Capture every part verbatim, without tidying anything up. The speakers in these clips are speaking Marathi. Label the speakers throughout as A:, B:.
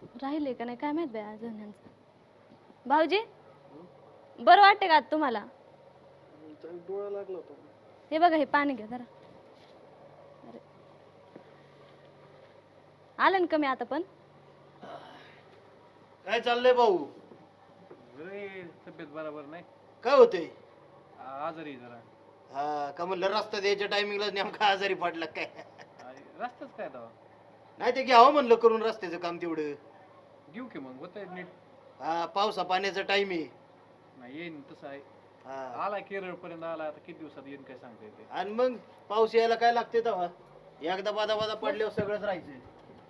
A: राहिले का नाही काय माहित बाई अजून यांचं. भाऊजी बरं वाटते का आता तुम्हाला?
B: डोळा लागला होता.
A: हे बघा हे पाणी घ्या जरा. अरे आलं ना कमी आता पण?
C: काय चाललंय भाऊ?
B: तब्येत बरोबर नाही.
C: काय होतंय?
B: आजारी जरा.
C: हा का म्हणलं रस्ता द्यायच्या टायमिंगला नेमका आजारी पडला काय?
B: रस्ताच काय दावा
C: नाही ते घ्यावं म्हणलं करून रस्त्याचं काम तेवढं.
B: घेऊ की मग होत नीट.
C: हा पावसा पाण्याचा टाइम आहे.
B: नाही येईन तसं आहे.
C: हा
B: आला केरळ पर्यंत आला आता किती दिवसात येईन काय सांगता येते.
C: आणि मग पाऊस यायला काय लागते तेव्हा एकदा बादा बादा पडल्यावर सगळंच राहायचं.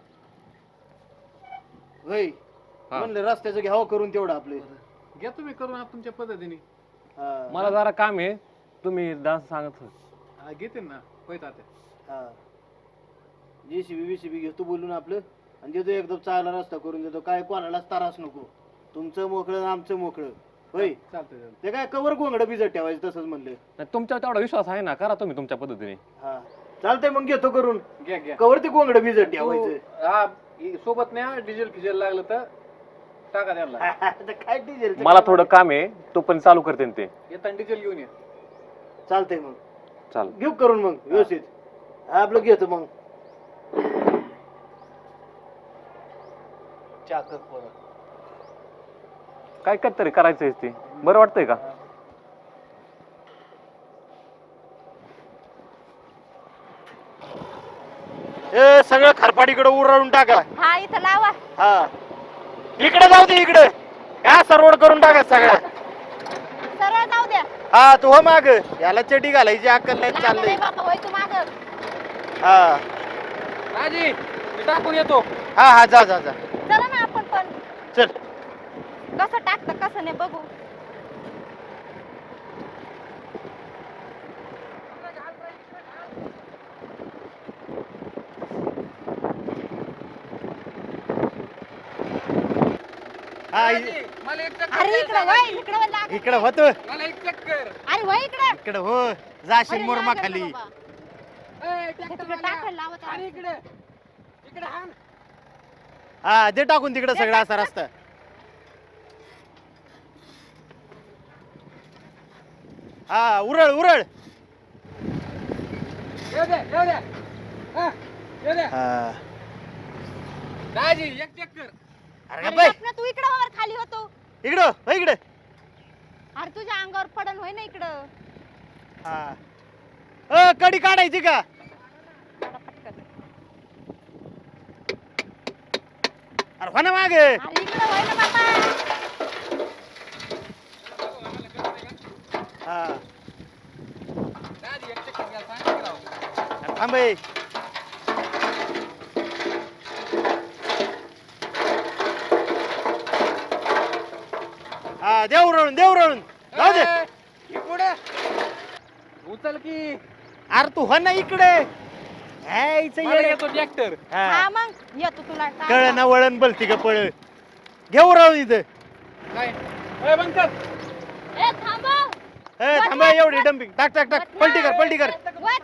C: होय म्हणलं रस्त्याचं घ्यावं करून तेवढं आपलं.
B: घ्या तुम्ही करून आप तुमच्या पद्धतीने.
C: हा.
D: मला जरा काम आहे, तुम्ही डान्स सांगत होते.
B: हा, घेते ना पैत आता.
C: हा जेसीबी बीसीबी घेतो बोलून आपलं आणि देतो एकदम चांगला रस्ता करून देतो. काय कोणालाच त्रास नको. तुमचं मोकळं आमचं मोकळं. होय
B: चालतंय चालतंय.
C: ते काय कवर गोंगडं भिजत ठेवायचं तसंच म्हणलं.
D: नाही, तुमच्यावर तेवढा विश्वास आहे ना, करा तुम्ही तुमच्या पद्धतीने.
C: हा चालतंय मग घेतो करून.
B: घ्या घ्या.
C: कवर ते गोंगडं भिजत ठेवायचं.
B: हा इ- सोबत नाही डिझेल फिजेल लागलं तर टाका त्यांना.
C: आता काय डिझेल
D: मला थोडं काम आहे, तो पण चालू करते ना ते.
B: येताना डिझेल घेऊन ये.
C: चालतंय मग
D: चाल
C: घेऊ करून मग व्यवस्थित. हा, आपलं घेतो मग. चाकत पोरं.
D: काय काय तरी करायचंय ते. बरं वाटतंय का?
C: ए सगळं खरपाडीकडे उराळून टाका.
A: हा इथं लावा.
C: हा इकडे जाऊ दे इकडे. हा सरवड करून टाका सगळं.
A: सरळ जाऊ द्या.
C: हा तू हो माग याला चटी घालायची अक्कल नाही चाललंय.
A: बाबा होय तू माग.
C: हा
B: राजी मी टाकून येतो.
C: हा हा जा जा जा
A: चला ना आपण पण.
C: चल.
A: कसं टाकतं कसं नाही बघू.
C: हा
B: मला एक चक्कर
A: अरे इकडे
B: द्यायचा
A: वय
B: राजी.
A: इकडे वय लाग.
C: इकडे होतो.
B: मला एक चक्कर.
A: अरे वय इकडे.
C: इकडे हो जाशील मुरमा खाली.
B: ए, ट्रॅक्टर
A: तिकडे
B: वाला.
A: टाकायला लावत
B: आणि
A: आहे.
B: इकडे इकडे हाण.
C: हा दे टाकून तिकडे सगळं असा रस्ता. हा उरळ उरळ.
B: येऊ दे येऊ दे. हा, येऊ दे.
C: हा
B: राजी एक चक्कर.
C: अरे
A: अरे
C: बाई
A: गप ना, तू इकडे वर खाली होतो.
C: इकडं हो इकडे.
A: अरे तुझ्या अंगावर पडन होय ना इकडं.
C: हा अ कडी काढायची का?
A: काढा पटकन.
C: अरे हो ना माग.
A: अरे इकडे होय ना बाबा.
C: हा
B: राजी एक चक्कर घ्या सांग राव.
C: थांब ए. हा देव उरळून देव उरळून जाऊ दे.
B: ए, ही पुढे उचल की.
C: अरे तू हो ना इकडे. यायचं
B: मला
C: येडे.
B: येतो ट्रॅक्टर.
C: हा
A: हा मग येतो तुला टाक.
C: कळ ना वळण बलती का पळ. घे उरळून इथं.
B: काय ए बंद कर.
A: ए थांबा.
C: ए थांबा एवढी डंपिंग. टाक टाक टाक पलटी कर पलटी कर.
A: वत.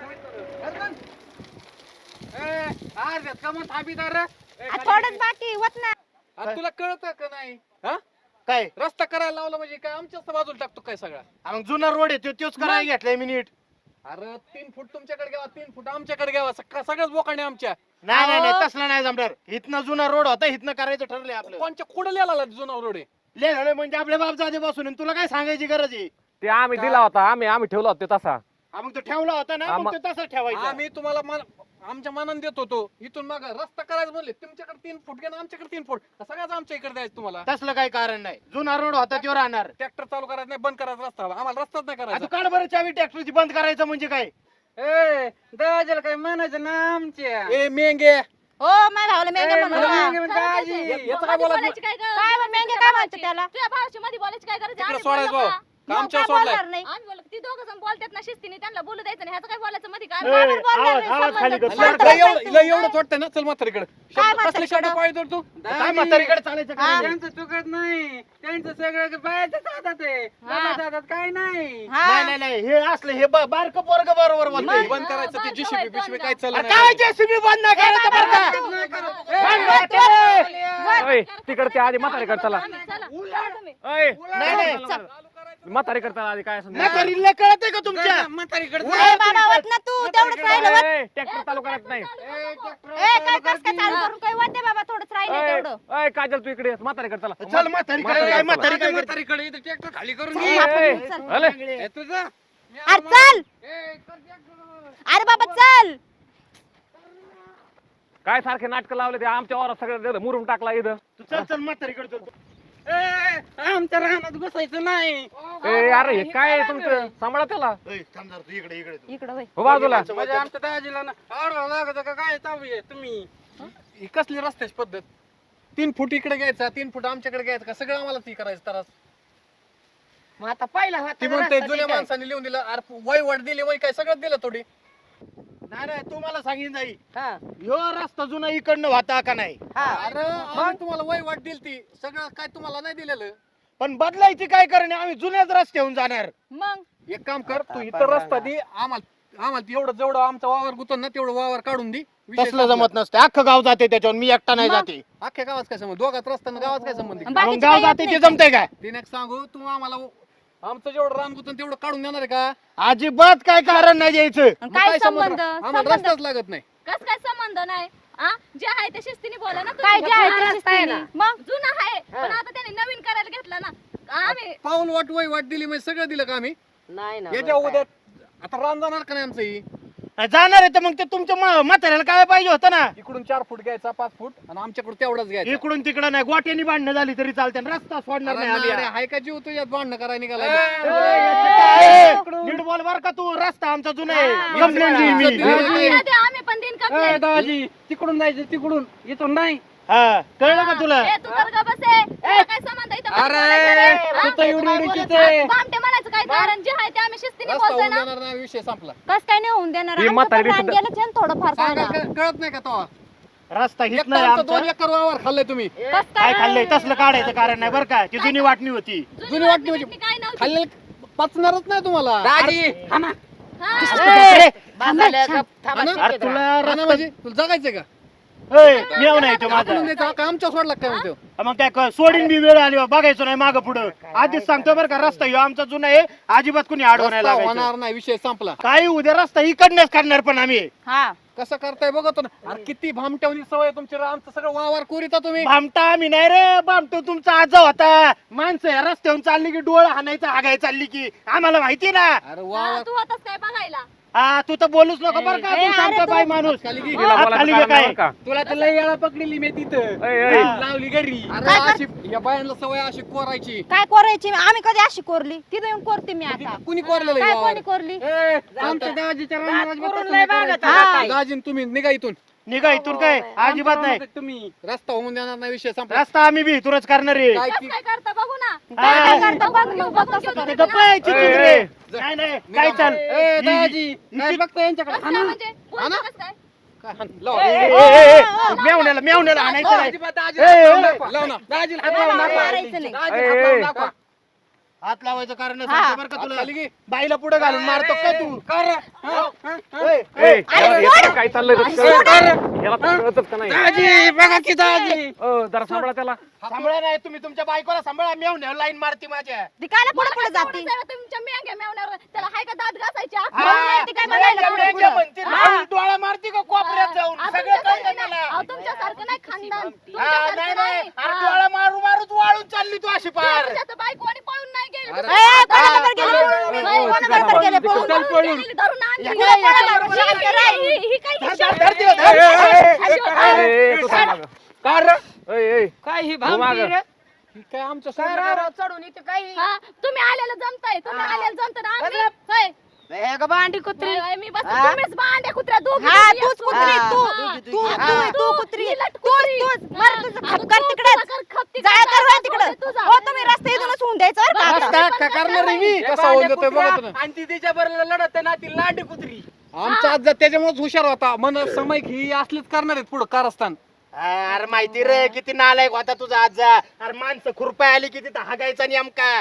B: ए आज कमन थांबीदार रे. ए,
A: आ,
B: खाली
A: थोडंच
B: घे.
A: बाकी वत ना.
B: आ, तुला कळतं का नाही हा
C: काय
B: रस्ता करायला लावला म्हणजे काय आमच्याच बाजूला टाकतो काय सगळा.
C: हा, मग जुना रोड आहे तो तोच करायला घेतलाय मी नीट.
B: अरे तीन फूट तुमच्याकडे घ्यावा तीन फूट आमच्याकडे घ्यावा सगळं सगळंच बोकाणे आमच्या.
C: नाही नाही नाही
A: अहो.
C: तसला नाही जमणार. इथनं जुना रोड होता इथनं करायचं ठरलंय आपलं.
B: कोणच्या कुठं लिहायला जुना रोड आहे.
C: लिहिलं म्हणजे आपल्या बाप जाते बसून तुला काय सांगायची गरज आहे.
D: ते आम्ही दिला होता, आम्ही आम्ही ठेवला होता ते तसा.
C: हा, मग तो ठेवला होता ना मग
D: आम्हा-
C: तो तसंच ठेवायचा.
B: आम्ही तुम्हाला मन- आमच्या मनाने देत होतो इथून मग रस्ता करायचं म्हणले तुमच्याकडे तीन फूट घ्या आमच्याकडे तीन फूट सगळ्याच आमच्या इकडे द्यायचं तुम्हाला.
C: तसलं काही कारण नाही. जुना रोड होता तो राहणार.
B: ट्रॅक्टर चालू करायचं नाही बंद करायचा रस्ता आम्हाला रस्ताच नाही
C: आता
B: करायचा.
C: काढ बरं चावी ट्रॅक्टरची बंद करायचं म्हणजे काय.
B: ए दाजीला काय म्हणायचं ना आमच्या. ए मेंगे
A: हो माझ्या भावाला मेंगे
B: ए,
A: म्हणू
B: मला
A: नका.
B: मेंगे म्हणते आजी. याचं काय
E: मध्ये
B: बोलायचं
E: बोलायची काय गरज?
A: काय बा, मेंगे काय म्हणते त्याला?
E: तुझ्या भावाची मध्ये बोलायची काय गरज आहे?
B: तिकडे
E: आम्ही
B: सोडायचं
E: बोललो
B: भाऊ.
E: का?
B: का
A: मग
B: आमच्यावर
A: काय
B: सोडलाय.
A: बोलणार नाही.
E: आम्ही बोललो ती दोघं जण बोलतात ना शिस्तीने त्यांना बोलू द्यायचं नाही ह्याचं काय बोलायचं मध्ये काय
C: ए,
A: बरोबर बोलणार
C: आवाज-
A: नाही,
C: आवाज
A: संबंध
C: खाली कर.
A: नाही.
C: शांत
A: शांत
B: लय
A: बस
B: एवढं
A: तू.
B: लय एवढंच वाटतं ना चल म्हातारीकडे.
A: काय
B: कसले
A: म्हातारीकडं?
B: शब्द पाहिजे तू.
C: काय म्हातारीकडे चालायचं
A: हा.
C: काय.
B: त्यांचं चुकत नाही त्यांचं सगळं बाहेरच हातात आहे
A: हा.
B: बाबा दादात काय नाही.
A: हा.
C: नाही नाही नाही हे असलं हे ब- बारकं पोरग बरोबर बोलतोय.
B: बंद करायचं ते जीसीबी बिशीबी काय
C: अरे
B: चाललं
C: काय जेसीबी बंद नाही करायचं बरं का.
B: नाही करत.
C: बंद
B: ए,
C: करते.
A: वत.
D: अय तिकडच्या आधी म्हातारी चला
E: चला.
D: अय
C: नाही नाही
D: म्हातारी करता आधी काय असं
C: म्हातारीला कळतंय का तुमच्या
A: ए बाबा वत ना तू तेवढंच राहिलं वत.
D: ट्रॅक्टर चालू करत नाही
A: ए काय कस काय चालू करून काय वत बाबा थोडंच राहिलं
D: अय,
A: तेवढं.
D: अय काजल तू इकडे ये. म्हातारी कर चला
C: चल म्हातारी काय काय म्हातारी काय करते?
B: म्हातारीकडे इथं ट्रॅक्टर खाली करून
A: चल,
B: घे.
A: आपण
D: ए,
A: चल.
D: अले.
B: ए, तुझं
A: अरे चल अरे बाबा चल.
D: काय सारखे नाटक लावले ते आमच्या वावरात सगळं मुरुम टाकला इथं
C: तू चल चल म्हातारीकडे चल
B: आमच्या रानात घुसायचं नाही.
D: ए अरे हे काय तुमचं सांभाळा त्याला
C: ए, थांब जरा, तू इकडे इकडे तू.
A: इकडं वय.
D: हो बाजूला
B: म्हणजे आमच्या दाजीला ना आडवा लागत का काय चालू आहे तुम्ही ही कसली रस्त्याची पद्धत तीन फूट इकडे घ्यायचा तीन फूट आमच्याकडे घ्यायचं का सगळं आम्हाला ती करायचं त्रास
F: मग आता पहिला
B: ती म्हणते जुन्या माणसाने लिहून दिलं अरे वय वाट दिली वय काय सगळं दिलं थोडी
C: नाही नाही तू मला सांगीन जाई
F: हा
C: ह्यो रस्ता जुना इकडनं होता का नाही
F: हा
B: अरे आम्ही तुम्हाला वय वाट दिली ती सगळं काय तुम्हाला नाही दिलेलं
C: पण बदलायची काय करणे आम्ही जुन्याच रस्त्याहून जाणार
A: मग
B: एक काम कर तू इतर रस्ता दे आम्हाला आम्हाला तेवढं जेवढं आमचा वावर गुतून ना तेवढं वावर काढून दे विषय
C: तसलं
B: संपला.
C: जमत नसते अख्खं गाव जाते त्याच्यावर मी एकटा नाही
A: मग?
C: जाते
B: अख्ख्या गावात काय संबंध दोघात रस्त्यानं गावात काय संबंध
A: आणि
C: मग
A: बाकीचे
C: गाव
A: काही येत
C: जाते ते
A: नाही
C: जमतंय काय
B: तिने एक सांगू तू आम्हाला आमचं जेवढं रान गुतून तेवढं काढून देणार आहे का
C: अजिबात काय कारण नाही द्यायचं
A: आणि
B: मग
A: काय
B: संबंध?
A: संबंध
B: आम्हाला
A: संबंध
B: रस्ताच लागत नाही
E: कस काय संबंध नाही आ जे आहे ते शिस्तीने बोला ना
A: काय
E: तुम्ही.
A: जे आहे
F: जुना
A: ते
F: रस्ता आहे
A: शिस्तीने.
F: ना.
A: मग
E: जुना आहे पण आता त्याने नवीन करायला घेतला ना आम्ही
B: पाऊल वाट वय वाट दिली म्हणजे सगळं दिलं का आम्ही
F: नाही ना
B: याच्या
F: बरं
B: उद्या आता रान जाणार का नाही आमचं ही
C: जाणार आहे तर मग ते तुमच्या म्हा- म्हाताऱ्याला काय पाहिजे होतं ना
B: इकडून चार फूट घ्यायचा पाच फूट आणि आमच्याकडे तेवढाच घ्यायचा
C: इकडून तिकडं नाही गोट्यानी भांडणं झाली तरी चालते रस्ता सोडणार नाही आम्ही.
B: अरे हाय का जीव तुझ्यात भांडणं करायला निघाला
C: ए, नीट बोल बर का तू रस्ता आमचा जुना आहे कंप्लेंट देईन मी
E: आम्ही द्या, आम्ही पण दिन कंप्लेंट
F: दाजी तिकडून जायचं तिकडून इथून नाही
C: हा कळलं का तुला
E: ए तू तर ग बसे तुला काय संबंध आहे इथं
F: अरे,
E: बोलायचं?
F: तू तर
E: हा?
F: एवढी
E: काय
F: एवढीची
E: बोलत
F: ते.
E: नाही? बामटे म्हणायचं काय कारण जे आहे ते आम्ही शिस्तीने
B: रस्ता
E: बोलतोय
B: होऊन
E: ना
B: देणार नाही विषय संपला
A: कस काय नाही होऊन देणार
D: ही
A: आमचं
D: म्हातारी
A: पण रान
D: दिसत-
A: गेलं छान थोडंफार
B: सांगा
A: सांगा.
B: क- कळत नाही का तेव्हा
C: रस्ता
B: एक
C: हित
B: तर
C: नाही
B: आमचं दोन
C: आमचा
B: एकर वावर खाल्लंय तुम्ही
A: कस
C: काय खाल्लंय तसलं काढायचं कारण नाही बरं का ती जुनी वाटणी होती
B: जुनी वाटणी
E: वाटणी
B: म्हणजे
E: काय नव्हती
B: खाल्लेलं पचणारच नाही तुम्हाला
F: दाजी हा ना
E: हा.
C: अरे,
F: बाजारला गप थांबा
B: हा ना?
F: शिकेत
C: अरे तुला
B: हा ना
C: रस्ता
B: म्हणजे तुला जगायचंय का
C: मेव नाही तो माझा
B: आपण द्यायचा का आमच्या सोडला काय म्हणतो
C: मग काय क- सोडीन बी वेळ आली बा, बघायचो नाही मागं पुढं आधीच सांगतो बरं का रस्ता ह्यो आमचा जुना आहे अजिबात कुणी आडवं नाही
B: रस्ता
C: लागायचं
B: होणार नाही विषय संपला
C: काही उद्या रस्ता इकडनंच काढणार पण आम्ही
A: हा
B: कसं करताय बघतो ना अरे किती भामट्यावनी सवय आहे तुमची आमचं सगळं वावर कोरिता तुम्ही
C: भामटा आम्ही नाही रे भामटो तुमचा आजा होता माणसं या रस्त्यावरून चालली की डोळ हाणायचं हागाय चालली की आम्हाला माहिती ना
B: अरे
E: हा,
B: वावर
E: तू होतास काय बघायला
C: हा तू तर बोलूच नको बरं का
A: ए,
C: तू सांगतो
A: अरे
C: बाई माणूस
B: खाली घे.
D: तिला
C: हात
D: बोलायचं
C: खाली
D: कारण
C: काय?
D: नाही बरं का
F: तुला तर लय वेळा पकडलेली मी तिथं
D: ऐ, ऐ.
C: हा.
F: लावली घरी
B: अरे अशी या बायांना सवय अशी कोरायची
A: काय कोरायची आम्ही कधी अशी कोरली तिथे येऊन कोरते मी आता
B: कुणी कोरलेलं
A: काय
B: आहे
A: कोणी
B: वावर?
A: कोरली
F: ए, आमच्या दाजीच्या रात रानात करून बसून लय नाही बागत करायचं.
A: हा.
F: काय?
B: दाजीन तुम्ही निघा इथून
C: निघा इथून काय अजिबात नाही
F: आमच्या तुम्ही
B: रस्ता होऊन देणार नाही विषय संपला
C: रस्ता आम्ही बी इथूनच करणार आहे
B: काय
E: कस
B: की-
E: काय करता बघू ना
A: काय काय
C: हा.
A: करता बघ मग बघ कसं
C: ते
A: करता.
C: गप्प आहे, चिचूक
D: ए,
C: रे.
D: ए.
C: नाही नाही काय चाल
F: ए, दाजी काय बघता यांच्याकडे
E: कस
F: हा
E: काय
F: ना?
E: म्हणजे
B: हा ना?
E: बोलतो कस काय
B: काय हाण, लाव.
C: ए, ए, ए, ए, मेवण्याला मेवण्याला आणायचं नाही
F: अजिबात दाजीला
C: ए,
F: हात
C: ए,
F: लावून
C: ए.
F: दाखवा.
B: लाव ना.
F: दाजीला हात लावून दाखवा.
A: मारायचं नाही.
F: दाजीला
D: ए,
F: हात
D: ए.
F: लावून दाखवा.
C: हात लावायचं कारण
A: हा.
C: सांगतो बरं का
B: हात
C: तुला
B: खाली घे.
C: बाईला पुढे घालून मारतो काय तू
F: कर. हा, हा, हा.
C: ए,
D: ए, याला- याला काय चाललंय रे? याला तर कळतच का नाही
F: दाजी बघा की दाजी
D: अ, जरा सांभाळा त्याला
C: सांभाळा नाही तुम्ही तुमच्या बायकोला सांभाळा मेवण्याला लाईन मारती माझ्या
A: ती कायला पुढे पुढे
E: मला
A: जाते
E: काय तेवढंच आहे, तुमच्या मेंग्या मेवण्यावर त्याला हाय का दात घासायची अक्कल?
C: हा,
A: नाही, ती काय
C: मेवण्या
A: बघायला
C: मेवण्या
A: पुढं.
C: म्हणते, लावून डोळा मारती का कोपऱ्यात जाऊन
E: अहो,
C: सगळं
E: तुमच्यासारखं
C: कळतं
E: नाही.
C: मला
E: अहो, तुमच्यासारखं नाही खानदान
C: हा,
E: तुमच्यासारखं
C: नाही
E: नाही.
C: नाही अरे
E: हा.
C: डोळा मारू मारूच वाळून चालली तू अशी पार
E: तुमच्या बायको आणि पळून नाही गेली.
B: अरे,
A: ए, ए, कोणाबरोबर गेले
E: हा.
A: पळून?
E: नाही,
A: कोणाबरोबर गेले पळून?
E: पळून पळून गेली, धरून आणली.
C: या काय, या काय,
E: ही-
C: या काय?
E: ही- ही- ही काय
C: धर,
E: हिशोब?
C: धर, धर, धर, धर.
D: ए, ए, ए, तू थांब मागं.
F: कर
D: ए, ए.
F: काय ही
D: हो मागं.
F: भामटी रे?
B: ही काय आमच्या
F: काय
B: सोबत
F: राव चढून इथे काय
E: हा, तुम्ही आलेलं जमताय तुम्ही
F: हा.
E: आलेलं जमत ना आम्ही
F: बरं.
E: होय.
F: हे का भांडी कुत्री
E: होय, होय, मी बस
F: हा.
E: तुम्हीच भांड्या कुत्र्या दोघी
A: हा
E: दोघी
A: तूच
E: असतो.
A: कुत्री
F: हा.
A: तू
E: हा.
A: तू
F: हा.
A: तू तू कुत्री
E: ही लट
A: तूच
E: कुत्री.
A: तूच मर तुझं
E: अगं,
A: खपकर
E: तू
A: तिकडे
E: तुझा कर खप तिकडे.
A: जाय कर वळ
E: तुझा
A: तिकडं हो तुम्ही रस्ता इथूनच होऊन द्यायचं बरं का आता.
B: रस्ता का करणार आहे मी
F: हे
B: कसा होऊन
F: भांड्या
B: देतोय
F: कुत्र्या
B: बघतो ना
F: आणि ती तिच्या बरोबर लढत आहे ना ती लांडी कुत्री
B: आमचा आज त्याच्यामुळेच हुशार होता मन समय ही असलीच करणार आहेत पुढे कारस्थान
C: अरे माहिती रे किती नालायक होता तुझा आजा अरे माणसं खुरपाय आली की तिथं हागायचा नेमका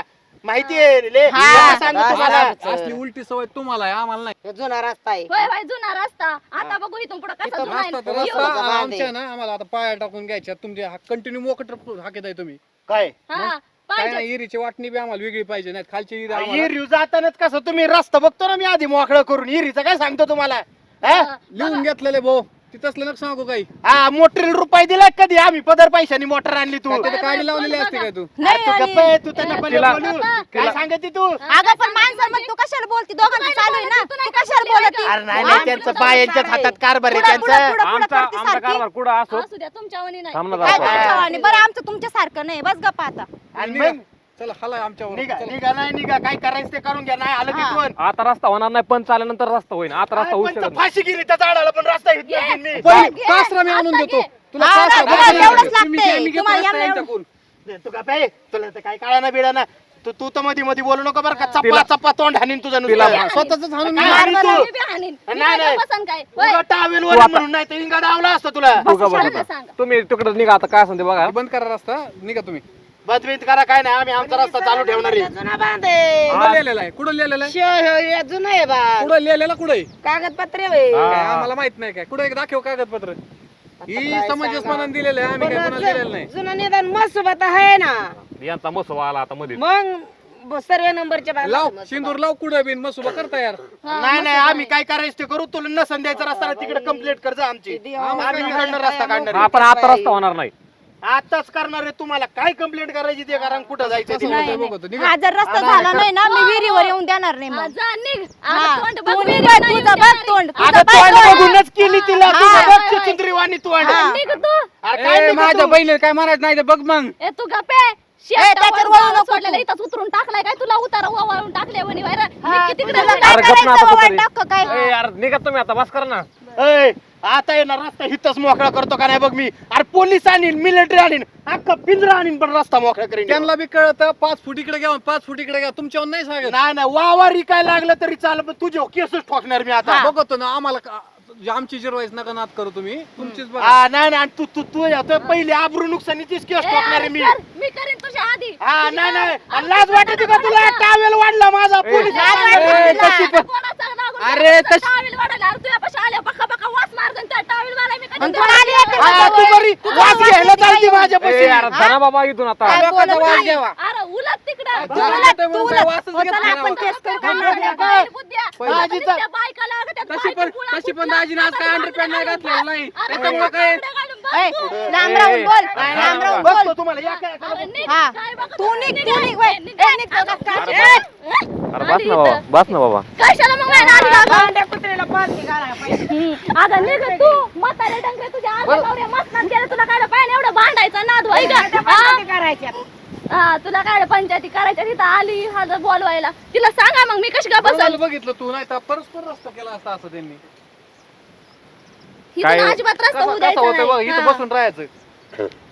C: माहिती आहे ले
A: हा.
C: मला सांगू तुम्हाला
B: असली उलटी सवय तुम्हाला आहे आम्हाला नाही
F: हे जुना रस्ता आहे
E: होय होय जुना रस्ता आता बघू इथून पुढे कसा
F: इथं
E: जुना आहे.
B: रस्ता तर
E: येऊ.
B: रस्ता
F: बांध आहे.
B: आमच्या ना आम्हाला आता पाया टाकून घ्यायच्या तुमचे कंटिन्यू मोकट हाकेत आहे तुम्ही
C: काय
E: हा
B: काय
E: पाहिजे
B: नाही इरीची वाटणी बी आम्हाला वेगळी पाहिजे नाही खालची इरी आम्हाला
C: हिरीव जातानाच कसं तुम्ही रस्ता बघतो ना मी आधी मोकळं करून हिरीचं काय सांगतो तुम्हाला हा?
B: लिहून घेतलेले भाऊ तिथं नका सांगू काही
C: हा मोटर रुपये दिला कधी आम्ही पदर पैशानी मोटर आणली तू
B: काय तिथं गाडी लावलेली असते काय तू
C: अरे तू गप्प आहे, तू त्यांना पहिले
D: तिला-
C: बोलू काय सांगते तू
A: अगं पण माणसं मग तू कशाला बोलती दोघांचं चालू आहे ना तू कशाला बोलती
C: अरे नाही नाही त्यांचं बायांच्याच हातात कारभार आहे
A: पुढं- पुढं-
C: त्यांचा
A: पुढं- पुढं
D: आमचा
A: करते
D: आमचा
A: सारखी.
D: कारभार कुठं असो
E: असू द्या तुमच्या वनी नाही
D: थांब ना
A: काय
D: जरा.
A: तुमच्या वाणी? बरं आमचं तुमच्यासारखं नाही बस गप्पा आता
C: आणि
B: निघा.
C: मग
B: चला हला आमच्यावर
C: निघा निघा नाही निघा काय करायचं ते करून घ्या नाही आलं
A: हा.
C: तिथून
D: आता रस्ता होणार नाही पण चालल्यानंतर रस्ता होईल आता रस्ता होऊ
C: पण
D: शकत नाही.
C: फाशी गेली त्या झाडाला पण रस्ता घेत नाही मी.
B: पहिले कासरा मी आणून देतो तुला
A: हा,
B: कासरा
A: ना,
B: बघा
A: तुम्हाला एवढंच
B: लागेल. तुम्ही
A: लागतंय.
B: घे, मी घेतो
A: तुम्हाला
B: रस्ता
A: एवढं-
B: यांच्याकडून.
C: दे तू का बे तुला तर काय कळा ना बिडा ना तू तू तर मध्ये मध्ये बोलू नको बरं का चप्पा
D: तिला-
C: चप्पा तोंड हाणीन तुझं
D: तिला-
C: नुसतं.
B: हा, स्वतःच हाणून
C: काय
B: घे.
C: हाणीन तू?
E: मी बी हाणीन. मी
C: नाही,
E: काय
C: नाही.
E: बसन काय होय.
C: उगा टावेल
D: तू
C: वर
D: आता-
C: म्हणून नाही तर इंगा डावला असतो तुला
D: तू का
E: शाळेला
D: बघा
E: सांगा.
D: तुम्ही तिकडे निघा आता काय सांगते बघा
B: बंद करा रस्ता निघा तुम्ही
C: बदबीत करा काय नाही आम्ही आमचा रस्ता चालू ठेवणार आहे
F: जुना बांध आहे
B: कुठं लिहिलेला आहे कुठं लिहिलेला आहे
F: श- हे जुनं आहे बा
B: कुठं लिहिलेला कुठं आहे
F: कागदपत्रे होय.
D: हा.
B: काय आम्हाला माहित नाही काय कुठे दाखव कागदपत्र ही
F: काय
B: समाजच
F: सांगा?
B: मनान दिलेलं आहे आम्ही काय
F: पण
B: कोणाला दिलेलं नाही
F: जु- जुनं निदान मसोबत आहे ना
D: यांचा मसोबा आला आता मध्ये
F: मग ब- सर्व नंबरच्या बाहेर
B: लाव
F: मसोबा.
B: सिंदूर लाव कुठं बिन मसुबा करता यार
C: नाही नाही आम्ही काय करायचं ते करू तुला नसन द्यायचा रस्ता तिकडे कंप्लीट कर जा आमची आम्ही इकडनं रस्ता काढणार आहे.
D: आपण आता रस्ता होणार नाही
C: आताच करणार आहे तुम्हाला काय कंप्लेंट करायची ते करा आणि कुठं जायचं ते
B: कसं
C: करा.
B: होतंय बघतो निघा
A: हा जर रस्ता झाला नाही ना मी विहिरीवर येऊन देणार नाही
E: हा,
A: मग
E: जा निघ
A: हा,
E: आता तोंड
A: तू
E: बघ,
A: निघ,
E: मी नाही
A: तुझं बघ
E: येणार.
A: तोंड
C: अगं
A: तुझं
C: तोंड
A: बघ तोंड.
C: बघूनच केली तिला
A: हा.
C: तुझं बघ चिंद्रीवाणी तोंड
A: हा.
E: निघ तू
C: अरे काय
B: ए,
C: निघतो
B: माझ्या
C: तू?
B: बहिणीला काय म्हणायचं नाही ते बघ मग
E: ए तू गप्पे
A: ए, त्याच्यावर वळू नको तू.
E: सोडलेला इथंच उतरून टाकलाय काय तुला उतारा वाळून टाकले वणी बाहेर
A: हा,
E: मी तिकडे
A: तुला
E: जा.
A: काय
D: अरे गप ना
A: करायचं
D: आता
A: बाबा,
D: तरी.
A: टाक काय
D: ए, यार निघा तुम्ही आता बस करा ना
C: ए, आता येणार रस्ता हिथच मोकळा करतो का नाही बघ मी अरे पोलीस आणीन मिलिटरी आणीन अख्खा पिंजरा आणीन पण रस्ता मोकळा करीन
B: त्यांना बी कळतं पाच फूट इकडे घ्या पाच फूट इकडे घ्या तुमच्यावर नाही सांगत
C: नाही नाही वावारी काय लागलं तरी चाल पण तुझे केसच ठोकणार मी आता
B: बघतो ना आम्हाला का- आमची जिरवाईस नका नाद करू तुम्ही तुमचीच बघा
C: हा नाही नाही तू तू तू आता पहिले आबरू नुकसानीचीच केस
E: ए,
C: ठोकणार आहे
E: अरे
C: मी
E: कर, मी करीन तुझ्या आधी
C: हा नाही नाही आणि लाज वाटते का तुला टावेल वाढला माझा पोलीस
A: लाज
B: ए,
A: वाटते
B: तशी
A: तुला.
B: पण-
E: कोणाचा नागून
B: अरे,
E: तुझा
B: तशी-
E: टावेल वाढायला. अरे तुझ्यापाशी आल्या बक्का बक्का वास मार गं, त्या टावेल वाला मी कधी
A: आणि तुला आली आहे का
C: हा, तू
A: जवळ?
C: बरी
A: तू
C: वास
A: जवळ
C: घ्यायला
A: असते
C: चालती
A: काय?
C: माझ्यापाशी
D: ए, यार धना बाबा इथून आता
A: काय
B: लोकांचा
A: बोलत
B: वास
A: नाही.
B: घ्यावा
E: अरे उलट तिकडं
A: तू उलट, तू उलट.
B: वासच
A: हो,
B: घेत
A: चला
B: नाही
A: आपण
B: राव.
A: केस करू का?
E: बाहेर बाहेर बुद्ध्या.
B: पहिलं.
E: आता नुसत्या बायका लागत आहेत,
B: तशी पण
E: बायका
B: तशी पण
E: कुठला-
B: दाजीने आज काय अंडरपॅन्ट नाही घातलेलं नाही
E: अरे
B: त्याच्यामुळे काय
E: कपडे घालून बस
A: ए,
E: तू.
A: लांब राहून बोल
C: नाही,
A: लांब
C: नाही,
A: राहून बोल
C: बघतो तुम्हाला या काय
E: अरे निघ,
A: हा.
E: काय बघत
A: तू
E: होती?
A: निघ,
E: निघ,
A: तू निघ, वय.
E: निघ,
A: ए, निघ,
E: अगं,
A: बघा,
E: अरे,
A: काय?
D: अरे बस ना बाबा बस ना बाबा
E: कशाला मग माझ्या आधी लागला?
F: बांड्या कुत्र्याला पालथी घालायला पाहिजे.
E: अगं निघ तू म्हातारे डंगे तुझ्या आजोबा नवऱ्या मसनात गेले तुला काय पाहिजे एवढं भांडायचं नाद व्हाय का
F: त्या
E: हा?
F: पंचायती करायच्या.
E: हा, तुला काय पंचायती करायच्या तिथं आली हा जर बोलवायला तिला सांगा मग मी कशी का
B: बरं
E: बसल
B: झालं बघितलं तू नाही तर परस्पर रस्ता केला असता असं त्यांनी
E: इथून अजिबात रस्ता होऊ
B: कसं कसं
E: द्यायचा
B: होतं बघ
E: नाही.
B: इथं
E: हा.
B: बसून राहायचं